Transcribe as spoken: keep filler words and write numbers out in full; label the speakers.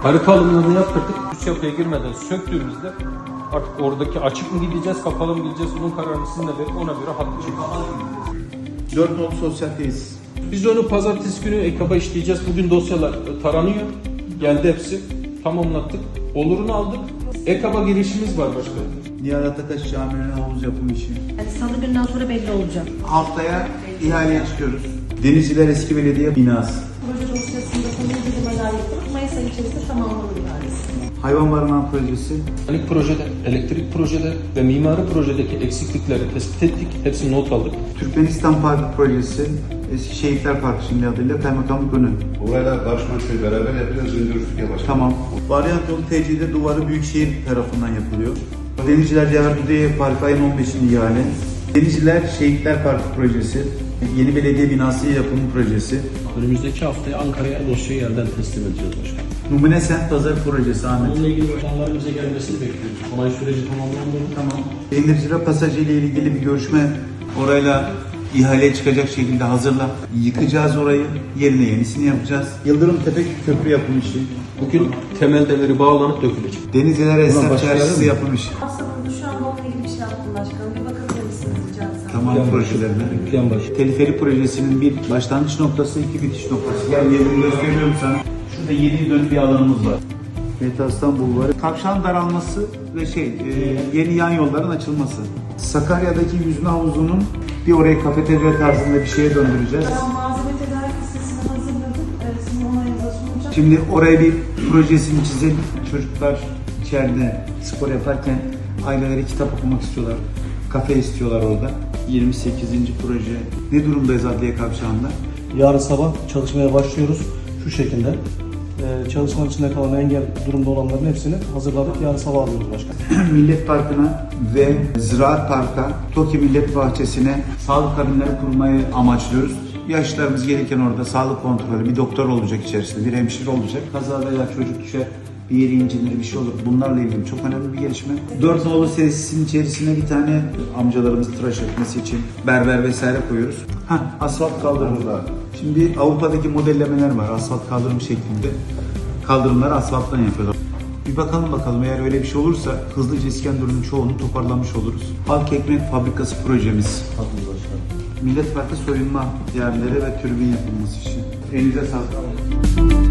Speaker 1: Harita alımlarını yaptırdık. Üst yapıya girmeden söktüğümüzde artık oradaki açık mı gideceğiz, kapalı mı gideceğiz, bunun kararını sizinle verip ona göre haklı çekeceğiz.
Speaker 2: Dört nolu sosyal tesis.
Speaker 1: Biz onu pazartesi günü EKAB'a işleyeceğiz. Bugün dosyalar taranıyor. Geldi hepsi. Tamamlattık. Olurunu aldık. EKAB'a girişimiz var başkanım.
Speaker 2: Nihat Atakaş Camii'nin havuz yapım işi.
Speaker 3: Yani salı günden sonra belli olacak.
Speaker 2: Haftaya ihaleye çıkıyoruz. Denizciler Eski Belediye binası.
Speaker 3: Proje dosyasında konu uygulamalar yapılıp Mayıs ayı içerisinde tamamlanır ihalesi.
Speaker 2: Hayvan barınağı projesi.
Speaker 1: Mekanik projede, elektrik projede ve mimari projedeki eksiklikleri tespit ettik. Hepsini not aldık.
Speaker 2: Türkmenistan Parkı projesi. Eski Şehitler Parkı şimdi adıyla kaymakamlık önü.
Speaker 4: Orayla Barış Manço'yu beraber yapacağız. Öndürürsük yavaş.
Speaker 2: Tamam. Varyant yolu T C'de duvarı Büyükşehir tarafından yapılıyor. Denizciler Cevher Parkı ayın on beşinde ihale. Denizciler Şehitler Parkı projesi. Yeni belediye binası yapımı projesi.
Speaker 5: Önümüzdeki haftaya Ankara'ya dosyayı yerden teslim edeceğiz başkanım.
Speaker 2: Numune Sent Pazarı projesi Ahmet.
Speaker 5: Bununla ilgili başkanların bize gelmesini bekliyoruz. Onay süreci tamamlandı mı?
Speaker 2: Tamam. Denizciler Pasajı ile ilgili bir görüşme orayla ihaleye çıkacak şekilde hazırla. Yıkacağız orayı, yerine yenisini yapacağız. Yıldırım Tepe Köprü yapım işi.
Speaker 1: Bugün temel demiri bağlanıp dökülecek.
Speaker 2: Denizliler Esnaf Çarşısı yapım işi.
Speaker 3: Aslında şu anda onunla ilgili bir şey yaptım başkanım. Bir bakabilir misiniz rica etsem?
Speaker 2: Tamam projelerine.
Speaker 1: Plan başı.
Speaker 2: Teliferi projesinin bir başlangıç noktası, iki bitiş noktası. Gel yerini gösteriyorum sana. Şurada yedi dönüm bir alanımız var. Metastan Bulvarı. Kavşağın daralması ve şey, e, yeni yan yolların açılması. Sakarya'daki yüzme havuzunun bir orayı kafeterya tarzında bir şeye döndüreceğiz.
Speaker 3: Ben malzeme tedarik listesini hazırladım. Evet, sizin onayınıza sunacağım.
Speaker 2: Şimdi oraya bir projesini çizelim. Çocuklar içeride spor yaparken aileleri kitap okumak istiyorlar. Kafe istiyorlar orada. yirmi sekizinci proje. Ne durumdayız Adliye Kavşağı'nda?
Speaker 6: Yarın sabah çalışmaya başlıyoruz şu şekilde. Ee, çalışmanın içinde kalan engel durumda olanların hepsini hazırladık. Yarın sabah alıyoruz başkanım.
Speaker 2: Millet Parkı'na ve Ziraat Park'a, TOKİ Millet Bahçesi'ne sağlık kabinleri kurmayı amaçlıyoruz. Yaşlılarımız gelirken orada sağlık kontrolü, bir doktor olacak içerisinde, bir hemşire olacak. Kaza veya çocuk düşer, bir yeri incinir, bir şey olur. Bunlarla ilgili çok önemli bir gelişme. Dört nolu tesisin içerisine bir tane amcalarımız tıraş etmesi için berber vesaire koyuyoruz. Hah, asfalt kaldırımı. Şimdi Avrupa'daki modellemeler var, asfalt kaldırım şeklinde. Kaldırımları asfalttan yapıyorlar. Bir bakalım bakalım, eğer öyle bir şey olursa hızlıca İskenderun'un çoğunu toparlamış oluruz. Halk Ekmek Fabrikası projemiz. Millet Parkı soyunma yerleri ve tribün yapılması için. Elinize sağlık.